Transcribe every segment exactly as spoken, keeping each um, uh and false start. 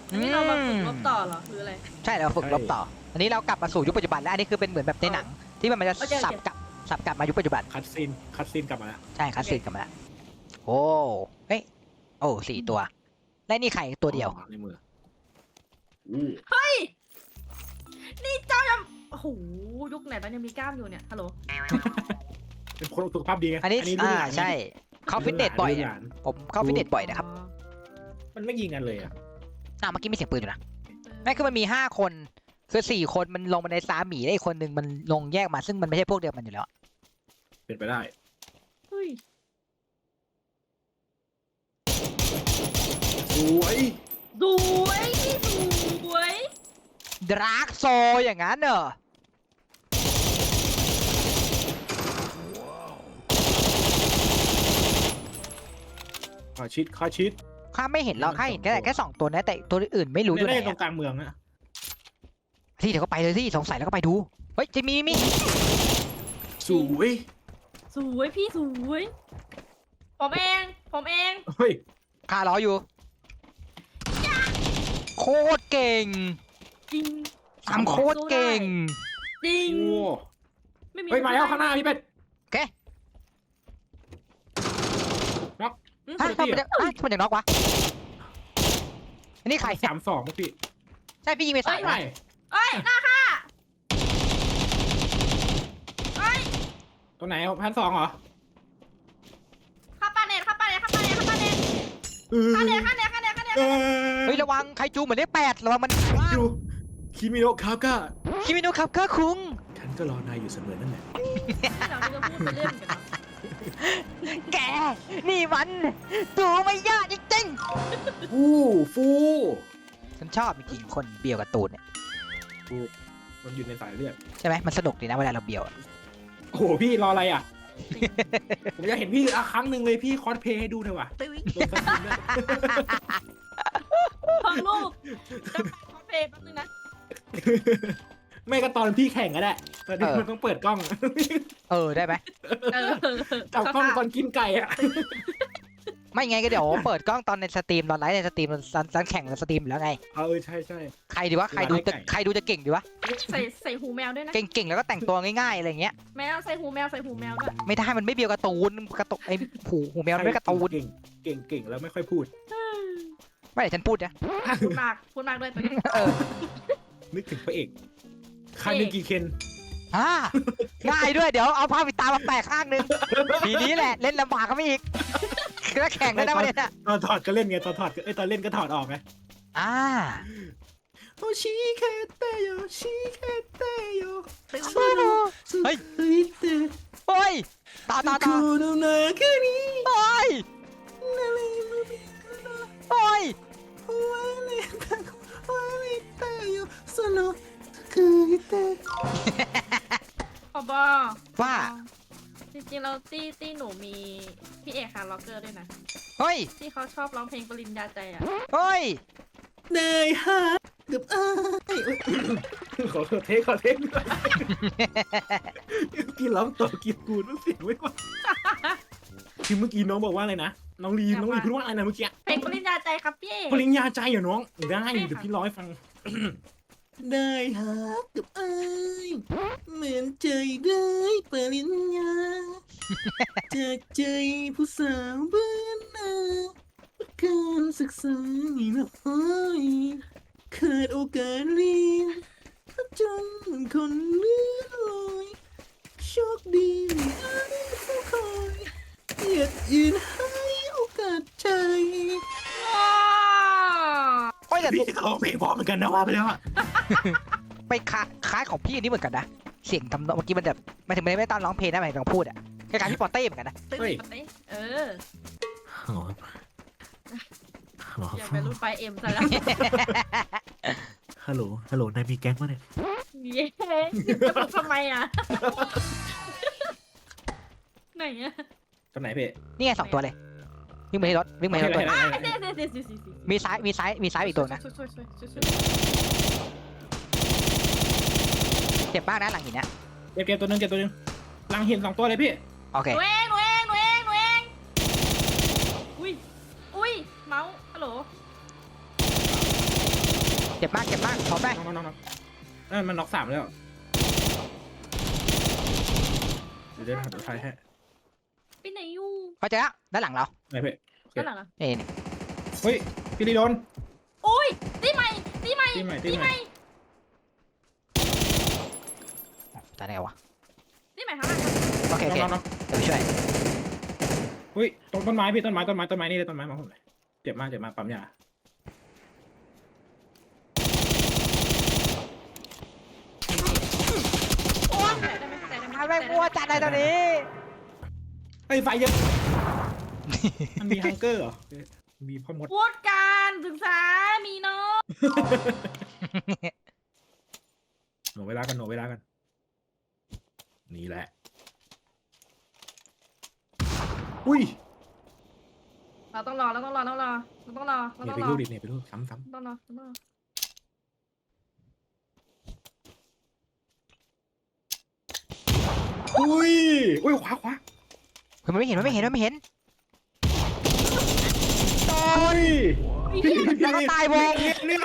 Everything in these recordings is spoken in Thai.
อันนี้เรามาฝึกรบต่อเหรอหรืออะไรใช่เราฝึกรบต่ออันนี้เรากลับมาสู่ยุคปัจจุบันแล้วอันนี้คือเป็นเหมือนแบบในหนังที่มันจะสับกลับสับกลับมายุคปัจจุบันคัดซีนคัดซีนกลับมาแล้วใช่คัสซีนกลับมาแล้วโอ้เฮ้ยโอ้สี่ตัวและนี่ไข่ตัวเดียวในมือเฮ้ยนี่เจ้ายังโอ้โหยุคไหนมันยังมีกล้ามอยู่เนี่ยฮัลโหลเป็นคนสุขภาพดีไงอันนี้รุ่อ่าหลนใช่เข้าฟิตเนสบ่อยรุ่นหอะลานผมเข้าฟิตเนสบ่อยนะครับมันไม่ยิงกันเลยอ่ะอ่าเมื่อกี้มีเสียงปืนอยู่นะไม่คือมันมีห้าคนคือสี่คนมันลงมาในซาหมีได้อีกคนหนึ่งมันลงแยกมาซึ่งมันไม่ใช่พวกเดียวกันอยู่แล้วเป็นไปได้เฮ้ยสวยสวยสวยดราร์กโซอย่างนั้นเหรอขอชิดขอชิดข้าไม่เห็นหรอกข้าเห็นแค่แค่สองตัวนะแต่ตัวอื่นไม่รู้อยู่ไหนเล่นตรอะงกลางเมืองนะที่เดี๋ยวก็ไปเลยที่สงสัยแล้วก็ไปดูเฮ้ยจะมีมีสวยสวยพี่สวยผมเองผมเองเฮ้ยข้ารออยู่โคตรเก่งจริงทำโคตรเก่งจริงโอ้ไม่มีเฮ้ยมาแล้วข้างหน้าพี่เป็ดโอเคน็อกอืมฮะทำไมจะฮะทำไมจะน็อกวะอันนี้ใครสามสองพี่ใช่พี่ยิงไปสามไม่เอ้ยหน้าค่ะเอ้ยตัวไหนพันสองเหรอข้าปาเน็ตข้าปาเน็ตข้าปาเน็ตข้าปาเน็ตเออข้าเน็ตข้าเน็ตข้าเน็ตข้าเน็ตเออเฮ้ยระวังไคจูเหมือนเลขแปดระวังมันอยู่คิมิโนะคาก้าคิมิโนะครับข้าคุงฉันก็รอนายอยู่เสมอนั่นแหละเราจะพูดไปเรื่อยเหมือนกันเนาะแกนี่มันตัวไม่ยากจริงฟูฟูๆฉันชอบจริงๆคนเบียวกับตูนเนี่ยฟูมันอยู่ในสายเลือดใช่ไหมมันสนุกดีนะเวลาเราเบียวอะโอ้โหพี่รออะไรอ่ะ ผมอยากเห็นพี่อ่ะครั้งหนึ่งเลยพี่คอสเพลย์ให้ดูหน่อยว่ะโดนคัดซีนด้วยฟังลูกจะไปคอสเพลย์แป๊บนึงนะไม่ก็ตอนพี่แข่งก็ได้ตอนนี้มันต้องเปิดกล้องเออได้ไหมเออจับกล้องตอนกินไก่อ่ะไม่ไงก็เดี๋ยวเปิดกล้องตอนในสตรีมตอนไลฟ์ในสตรีมตอนตอนแข่งในสตรีมอยู่แล้วไงเออใช่ใช่ใครดีวะใครดูจะใครดูจะเก่งดีวะใส่ใส่หูแมวด้วยนะเก่งๆแล้วก็แต่งตัวง่ายๆอะไรเงี้ยแมวใส่หูแมวใส่หูแมวด้วยไม่ได้มันไม่เบียวกับตูนกระตุกไอ้หูหูแมวมันไม่กระตูนเก่งเก่งเก่งแล้วไม่ค่อยพูดไม่ได้ฉันพูดนะพูดมากพูดมากด้วยตอนนี้เออนึกถึงพระเอกคานึกิเคนอ่าง่ายด้วยเดี๋ยวเอาผ้าปิดตามาแปะข้างนึงทีนี้แหละเล่นลำบากก็ไม่อีกแล้วแข่งได้ไหมเนี่ยตอนถอดก็เล่นไงตอนถอดก็เอ้ยตอนเล่นก็ถอดออกไงอ่าโอชิเคเตโยชิเคเตโยเฮ้ยเตโอ้ยต่อต่อต่อคุโนนาคุนิโอ้ยนาริโนมิโอ้ยวาเลตาวาเลตโยโซโนคุเตขอบอว่าจริงๆเราตี้ตี้หนูมีพี่เอกฮาร์ล็อกเกอร์ด้วยนะเฮ้ยที่เขาชอบร้องเพลงปริญญาใจอ่ะเฮ้ยนายฮะกับอ้ายขอเทคขอเทคด้วยกี่ร้องต่อกี่กูรู้เสียงไว้ก่อนคือเมื่อกี้น้องบอกว่าอะไรนะน้องลีน้องลีพูดว่าอะไรนะเมื่อกี้เพลงปริญญาใจครับพี่เอกปริญญาใจเหรอน้องได้เดี๋ยวพี่ร้อยฟังได้ฮะกับอ้ายเหมือนใจได้ปริญญาจากใจผู้สาวบ้านนาการศึกษานี่น้อยขาดโอกาสเรียนจนคนเลื่อนลอยโชคดีไม่อาจเฝ้าคอยเหยียดยืนให้โอกาสใจว้าโอ้ยแต่พี่เขาเพลงพอเหมือนกันนะว่าไปแล้วอะไปคล้าคล้ายของพี่อันนี้เหมือนกันนะ เสียงทำนองเมื่อกี้มันแบบไม่ถึงไม่ได้ไม่ต้องร้องเพลงนะหมายถึงพูดอะคล้ายๆพี่ปอเต้เหมือนกันนะตึ้งปะเต้เอออย่าไปรุ่นไฟเอ็มซะแล้วฮัลโหลฮัลโหลนายมีแก๊งปะเนี่ยเย้จะบอกทำไมอ่ะไหนอ่ะตรงไหนพี่นี่ไงสองตัวเลยวิ่งมาที่รถวิ่งมาที่รถตัวอ่ะเดี๋ยวเดี๋ยวเดี๋ยวเดี๋ยวเดี๋ยวมีซ้ายมีซ้ายมีซ้ายอีกตัวนะช่วยช่วยช่วยช่วยช่วยเจ็บมากนะหลังหินเนี่ยเก็บเก็บตัวหนึงเก็บตัวหนึงหลังเห็นสองตัวเลยพี่โอเคหนูเองหนูเองหนูเองหนูเองอุ้ยอุ้ยเมาส์ฮัลโหลเจ็บมากเจ็บมากขอไปน้องน้องน้องนั่นมันน็อกสามแล้วเดี๋ยวเดี๋ยวเดี๋ยวถ่ายให้ไปไหนอยู่เขาเจอแล้วด้านหลังเราไหนเพ่ด้านหลังอะนี่นี่เฮ้ยพี่ลีโดนโอ้ยตีใหม่ตีใหม่ตีใหม่ตีตีใหใหม่ม่ตายได้ไงวะตีใหม่ข้างหลังโอเคโอเคน้องน้องเดี๋ยวไปช่วยเฮ้ยต้นต้นไม้พี่ต้นไม้ต้นไม้ต้นไม้นี่เลยต้นไม้มาผมเลยเจ็บมากเจ็บมากปั๊มยาโอ้ยแต่ได้ไหมแต่ได้ไหมทำไมกลัวจัดเลยตอนนี้เฮ้ยไฟเยอะมันมีฮังเกอร์เหรอมีพ่อมดพูดการศึกษามีเนาะหนูเวลากันหนูเวลากันนี่แหละอุ้ยเราต้องรอเราต้องรอต้องรอเราต้องรอเราเนี่ยต้องไปรอรูดดิเนี่ยไปรูดซ้ำซ้ต้องรอต้องรอำอุ้ยอุ้ยขวาขวาเฮ้ยมันไม่เห็นมันไม่เห็นมันไม่เห็นอุ้ยแล้วก็ตายวงเนี่ย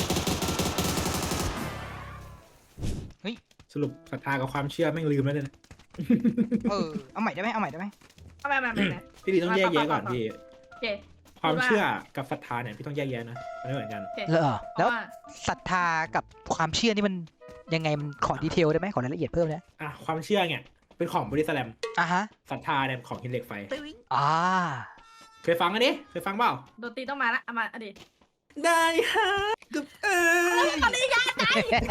เฮ้ยสรุปศรัทธากับความเชื่อแม่งลืมแล้วเนี่ยเออเอาใหม่ได้ไหมเอาใหม่ได้ไหมเอาไปมาไปไหนพี่ดีต้องแยกแยะก่อนพี่โอเคความเชื่อกับศรัทธาเนี่ยพี่ต้องแยกแยะนะมันไม่เหมือนกันโอเคเหรอเพแล้วราะว่าศรัทธากับความเชื่อนี่มันยังไงมันขอดีเทลได้ไหมขอรายละเอียดเพิ่มนะอ่ะความเชื่อเนี่ยเป็นของบริสแลมอ่ะฮะศรัทธาเนี่ยของหินเหล็กไฟอ่าเคยฟังอันนี้เคยฟังเปล่าโดนตีต้องมาละเอามาเอาดิได้ฮะกับเอ้ยตอนนี้ยาใจ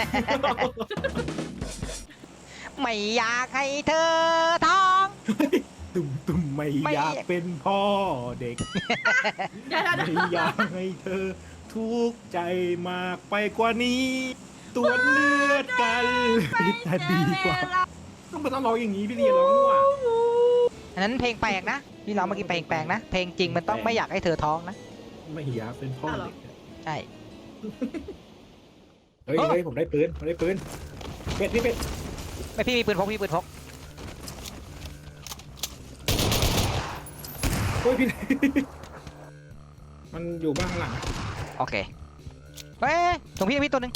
ไม่อยากให้เธอท้องตุ่มตุ่มไม่ไม่อยากเป็นพ่อเด็กเดี๋ยวเดี๋ยวไม่เดี๋ยวอยากให้เธอทุกข์ใจมากไปกว่านี้ตรวจเลือดกันจะดีกว่าต้องมาต้องร้องอย่างนี้พี่ดีร้องมั่วอันนั้นเพลงแปลกนะที่เราเมื่อกี้เพลงแปลกนะเพลงจริงมันต้องไม่อยากให้เธอท้องนะไม่อยากเป็นพ่อเด็กใช่เฮ้ยเฮ้ยผมได้ปืนผมได้ปืนเป็ดพี่เป็ดไม่พี่มีปืนพกพี่ปืนพกเฮ้ยพี่ มันอยู่บ้านข้างหลังโอเคเฮ้ยตรงพี่พี่ตัวหนึ่ง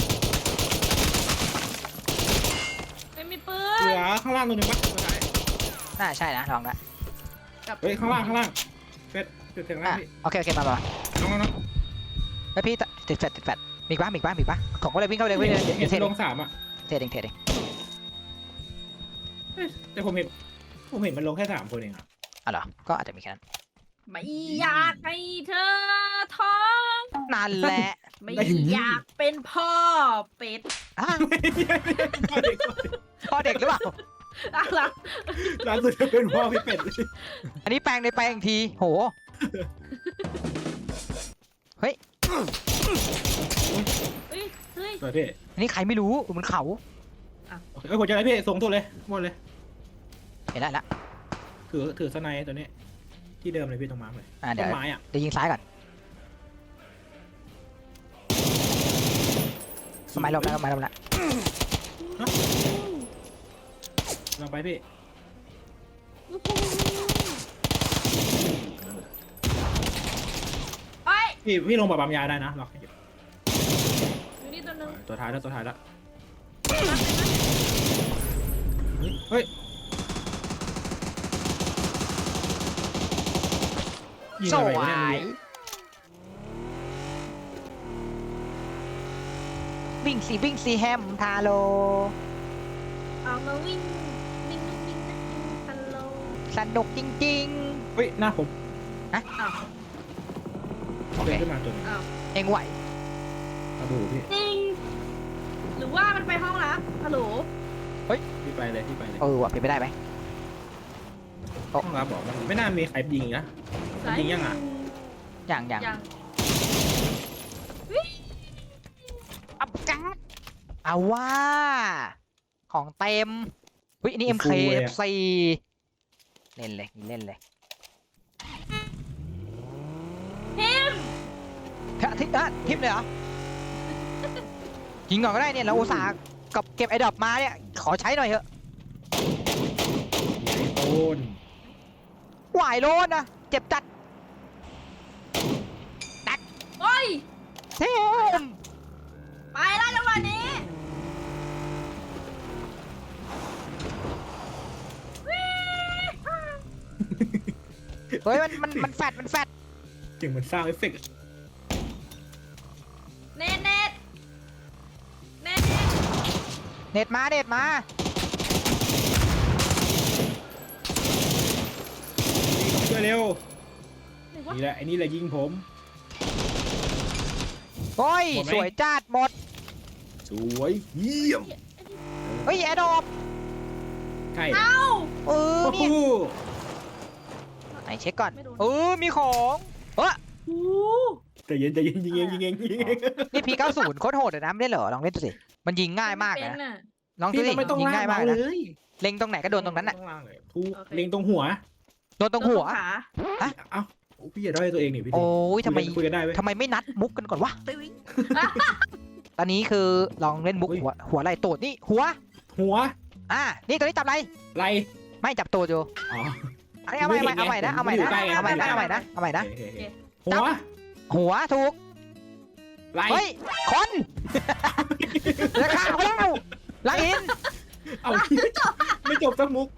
ไม่มีปืเหลืนอข้างล่างตัวหนึ่งปะตัวไหนน่าใช่นะลองละเฮ้ยข้างล่างข้างล่างเป็ดเป็ดถึงล่าอ่ะงพี่โอเคโอเคมามาน้องน้องน้องแล้วพี่ติดแฟดติดแฟดมีอีกปะมีอีกปะมีอีกปะของก็เลยวิ่งเข้าไปเลยวิ่งเลยเห็นเดี๋ยวเทเห็นเดลงงสามอ่ะเทเดงเทเดงเฮ้ยแต่ผมเห็นผมเห็นมันลงแค่สามคนเองอ่ะอ๋อเหรอก็อาจจะมีแค่นั้นไม่อยากให้เธอท้องนั่นแหละไม่อยากเป็นพ่อเป็ดอ่ะพ่อเด็กหรือเปล่าอะไรล่าสุดจะเป็นพ่อพี่เป็ดอันนี้แปลงในแปลงอีกทีโหเฮ้ยเฮ้ยเฮ้ยเปิดพี่อันนี้ใครไม่รู้มันเขาเอ้ยผมจะอะไรพี่ส่งตัวเลยหมดเลยเห็นได้ละถือถือสไนตัวนี้ ที่เดิมเลยพี่ตรงมาร์คเลยอ่าเดี๋ต้ยวนไม้อ่ะเดี๋ยวยิงซ้ายก่อนสมัยลบแล้วสมัยลบแล้วลองไปพี่เฮ้ยพี่พี่ลงแบบปั๊มยาได้นะล็อกให้อยู่อยู่นี่ตัวหนึงตัวท้ายแล้วตัวท้ายแล้วเฮ้ยยิงสอะไรววะเนี่ยยวิ่งสิวิ่งสิแฮมทาโลเอามาวิ่งวิ่งวิ่งวิ่งนะฮัลโหลสนุกจริงเฮ้ยหน้าผมอ้าวๆโอเดิเคนขึ้นมาตัวหนึงอ้าวเองไหวกระดูพี่จริงหรือว่ามันไปห้องลับฮัลโหลพี่ไปเลยพี่ไปเลยเออว่ะเป็นไปได้ไหมต้องรับบอกมันไม่น่ามีใครยิงนะ มันยิงยังอ่ะอย่างอย่างยังอับกัดเอาว่าของเต็มเฮ้ยอันนี่ เอ็ม เค เอฟ ซี เล่นเลยเล่นเลยพิมเฮ้ยทิปอ่ะทิปเลยเหรอยิงก่อนก็ได้เนี่ยเราอุตส่าห์กับเก็บไอ้ดอกมาเนี่ยขอใช้หน่อยเถอะโอนหวายโลนนะเจ็บจัดโอ้ยเทมเฮ้ยมันมันมันแฟดมันแฟดเสียงเหมือนซาวด์เอฟเฟกต์เน็ตเน็ตเน็ตเน็ตเน็ตมาเน็ตมาช่วยเร็วหรือว่านี่แหละไอ้นี่แหละยิงผมโอ้ยหมดไหมสวยจัดหมดสวยเยี่ยมเฮ้ยแอดดอปใช่เอ้าเออโอ้นี่โหไหนเช็คก่อนไม่โดนเออมีของเฮ้ยโอ้ใจเย็นใจเย็นยิงเองยิงเองยิงเองนี่พีเก้าศูนย์โคตรโหดเลยนะไม่ได้เหรอลองเล่นดูสิมันยิงง่ายมากเป็นนะน่ะลองดูพี่สิมันไม่ต้องยิงลากง่ายมากมาเลนะยเล็งตรงไหนก็โดนตรงนั้นน่ะไม่ต้องลากเลยทุกโอเคเล็งตรงหัวโดนตรงหัวขาเอ้าพี่อย่าด้อยตัวเองนี่พี่โอ้ยทำไมคุยกันได้ไหมทำไมไม่นัดมุกกันก่อนวะตอนนี้คือลองเล่นมุกอุ๊ยหัวหัวไหล่ตูดนี่หัวหัวอ่านี่ตัวนี้จับอะไรไหลไม่จับตูดอยู่อ๋ออันนี้เอาใหม่เอาใหม่เอาใหม่นะเอาใหม่นะไม่อยู่ใกล้ไงเอาใหม่นะเอาใหม่นะเอาใหม่นะโอเคโอเคโอเคหัวหัวถูกไหลเฮ้ยคนราคาเขาแล้วไลอินเอาไม่จบสักมุก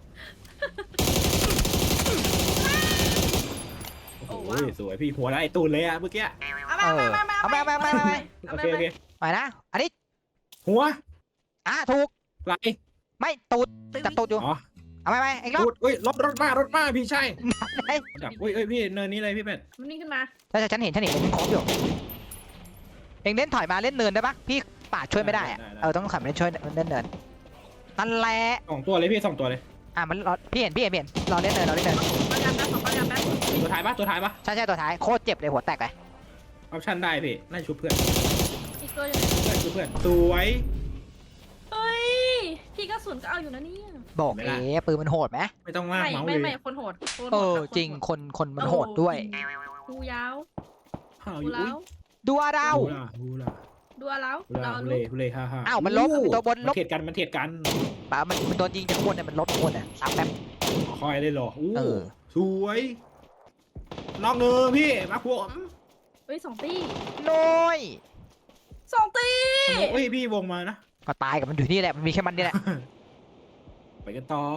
โอ้โหสวยพี่หัวไหลตูนเลยอะเมื่อกี้เอามาเอามาเอาไปเอาไปเอาไปเอาไปโอเคโอเคไปนะอันนี้หัวอ่ะถูกไหลไม่ตูดจับตูดอยู่อ๋อเอาไปไปอีกรอบตูดเอ้ยรถรถมารถมาพี่ใช่ไอ้จับอุ้ยเอ้ยพี่เนินนี้เลยพี่เป็ดมันนี่ขึ้นมาถ้าฉันเห็นฉันเห็นมันครบอยู่เองเล่นถอยมาเล่นเนินได้ปะพี่ป่าดช่วยไม่ได้อะเออต้องขับเล่นช่วยเล่นเนินนั่นแหละสองตัวเลยพี่สองตัวเลยอ่ะมันรอพี่เห็นพี่เห็นพี่เห็นรอเล่นเนินรอเล่นเนินปากกาแป๊บของปากกาแป๊บตัวท้ายปะตัวท้ายปะใช่ใช่ตัวท้ายโคตรเจ็บเลยหัวแตกเลยออปชั่นได้พี่น่าชุบเพื่อนอีกตัวอยู่ไหนเพื่อนชุบเพื่อนสวยเฮ้ยพี่กระสุนก็เอาอยู่นะเนี่ยบอกเอ๋ปืนมันโหดไหมไม่ต้องลากไม่เมาส์ไม่เลไม่ยคนโหดคนโหดเออกับคนจริงโหดคนคนมันโหดด้วยดูยาวห่าวอดูยู่แล้อุ้ยวดูอะเราฮูล่าฮูล่าดูแล้วฮูล่าเราฮูรู้เล่ฮูเล่ฮ่าฮ่าอ้าวมันลบตัวบนลมันบเทียดกันมันเทียดกันป่ามันมันโดนยิงจากข้างบนเนี่ยมันลบข้างบนเนี่ยสามแป๊บคอยเลยเหรออู้เออสวยนอกเนินพี่มาพวกเฮ้ยสองตีน้อยสองตีเอ้ยพี่วงมานะก็ตายกับมันอยู่นี่แหละมันมีแค่มันนี่แหละไปกันต่อ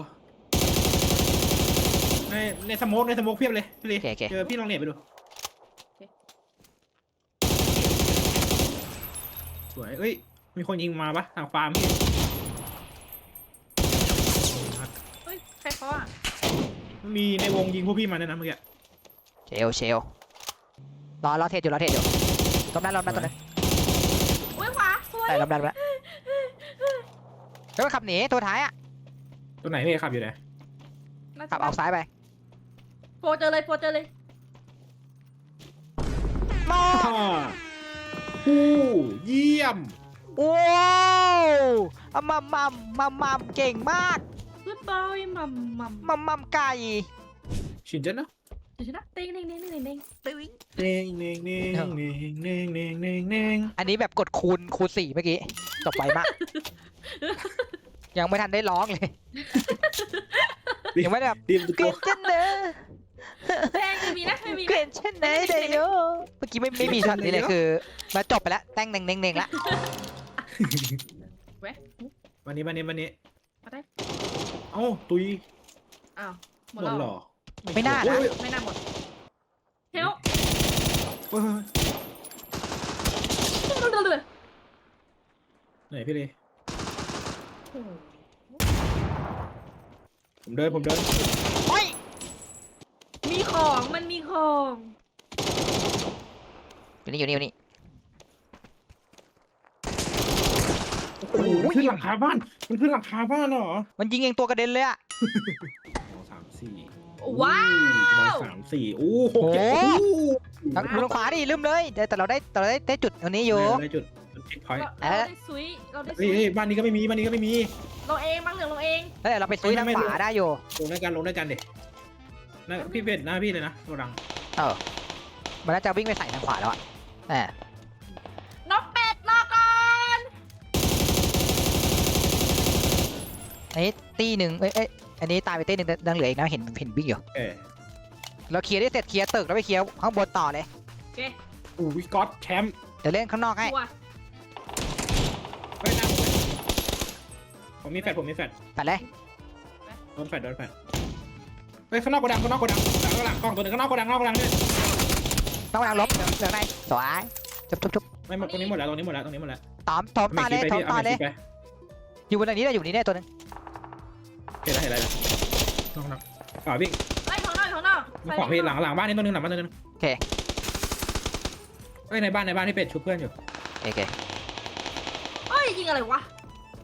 ในในสโมกในสโมกเพียบเลยพี่เลยโอเคโอเคเจอพี่ลองเน็ตไปดูสวยเอ้ยมีคนยิงมาปะทางฟาร์มพี่เฮ้ยใครเคาะอ่ะมีในวงยิงพวกพี่มาเนี่ยนะเมื่อกี้เชลเชลรอรอเทศอยู่รอเทศอยู่ตบนั้นรอบนั้นตบนั้นโอ้ยขวาสวยใช่รอบนั้นแล้วแล้วก็ขับหนีตัวท้ายอ่ะตัวไหนพี่ขับอยู่ไหนน่าจะขับออกซ้ายไปโปรเจอเลยโปรเจอเลยมออ่าผู้เยี่ยมว้าวอะมัมมัมมัมมัมเก่งมากกูดบอยมัมมัมมัมมัมไก่ชินเจนนะเดี๋ยวนะเต้งเต้งเต้งเต้งเต้งเต้งเน่งเน่งเน่งเน่งเน่งเน่งเน่งเน่งอันนี้แบบกดคูณคูณสี่เมื่อกี้จบไปมาก ยังไม่ทันได้ร้องเลย ยังไม่ได้แบบทีมตุกเกลียดฉันเนอะแต้งไม่มีนะไม่มีเกลียดฉันเนอะเดโยเมื่อกี้ไม่ไม่มีช็อตนี้เลยคือมาจบไปแล้วแต่งเน่งเน่งเน่งละแวะวันนี้วันนี้วันนี้มาได้เอ้าตุยอ้าวหหมมดดแล้วหรอไม่น่านะโอ้ยไม่น่าหมดเฮลโอ้ยไหนพี่เลยผมเดินผมเดินโอ้ยมีของมันมีของอยู่นี่อยู่นี่อยู่นี่โอ้โหมันขึ้นหลังคาบ้านมันขึ้นหลังคาบ้านเหรอมันยิงเองตัวกระเด็นเลยอะสองสามสี่ว้าวสามสี่โอ้โหเจ็ดทางลงขวาดิลืมเลยแต่แต่เราได้แต่เราได้ได้จุดอันนี้อยู่ได้จุดเช็คพอยต์เราได้ซุยเราได้เฮ้ซุยยเฮ้ยบ้านนี้ก็ไม่มีบ้านนี้ก็ไม่มีเราเองบ้างเหลืองเราเองแล้วเดี๋ยวเราไปซุยทางขวาได้อยู่ลงด้วยกันลงด้วยกันเด็นะพี่เป็ดหน้าพี่เลยนะโกดังเออมันน่าจะวิ่งไปใส่ทางขวาแล้วอะแหมนกเป็ดรอก่อนอันนี้ตีหนึ่งเอ้ยเอ้ยอันนี้ตายไปตีหนึ่งดังเหลืออีกนะเห็นเห็นวิ่งอยู่เออเราเคลียร์ได้เสร็จเคลียร์ตึกแล้วไปเคลียร์ข้างบนต่อเลยโอเคอู้วิกอตแชมป์เดี๋ยวเล่นข้างนอกให้ตัวไม่น่าผมเลยผมมีแฟดผมมีแฟดไปเลยโดนแฟดโดนแฟดเฮ้ยข้างนอกโกดังข้างนอกโกดังข้างนอกโกดังกล้องตัวหนึงข้างนอกโกดังข้างนอกโกดังเนี่ยต้องกำลังล้มเหลืองเหลืองในสวยจุบจุบจุบไม่หมดตรงนี้หมดแล้วตรงนี้หมดแล้วตรงนี้หมดแล้วตอมตอมตาเลยตอมตาเลยไปอยู่บนนี้ได้อยู่บนนี้ได้ตัวหนึงเห็นแล้วเห็นแล้วน้องน้องฝ่าวิ่งเฮ้ยข้างนอกข้างนอกขวาพี่หลังหลังบ้านนี่ตัวนึงหลังบ้านตัวนึงโอเคเฮ้ยในบ้านในบ้านที่เป็ดชุบเพื่อนอยู่โอเคเฮ้ยยิงอะไรวะ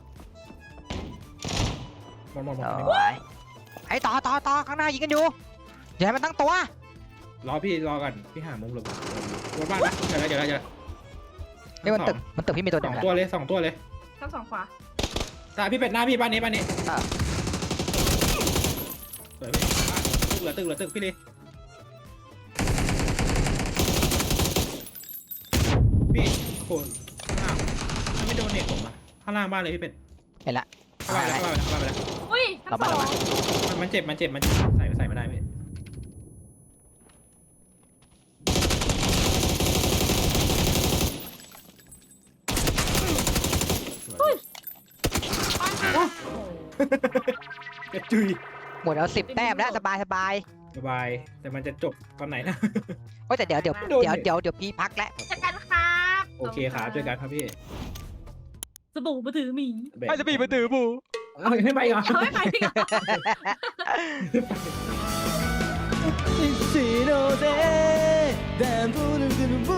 หมดหมดหมดสวยไอ้ต่อต่อต่อข้างหน้ายิงกันอยู่อย่าให้มันตั้งตัวรอพี่รอก่อนพี่หามุมหลบรถบ้านนะเดี๋ยวแล้วเดี๋ยวแล้วเดี๋ยวนี่มันตึกมันตึกพี่มีตัวหสนึ่อง งแหละตัวเลยสองตัวเลยชั้นสองขวาตาพี่เป็ดหน้าพี่บ้านนี้บ้านนี้สวยพี่ตึกเหลือตึกเหลือตึกพี่เลยพี่โคนอ้าวไม่โดนเน็ตผมอะข้างล่างบ้านเลยพี่เป็ดเห็นละเข้าบ้านไปแล้วเข้าบ้านไปแล้วเข้าบ้านไปแล้วอุ้ยชั้นสองมันมันเจ็บมันเจ็บมันใส่ใส่ไม่ได้พี่ กระจุยหมดแล้วสิบแต้มแล้วสบายสบายสบายแต่มันจะจบตอนไหนนะโอ้ยแต่เดี๋ยวเดี๋ยวโดนเดี๋ยวเดี๋ยวเดี๋ยวพี่พักแล้วเจอกันครับโอเคครับเจอกันครับพี่สบู่มาถือหมีไม่จะมีมาถือบูเอาไม่ไปเหรอเอาไม่ไปดีกว่าสีโนเซแดนพูนึงคือบู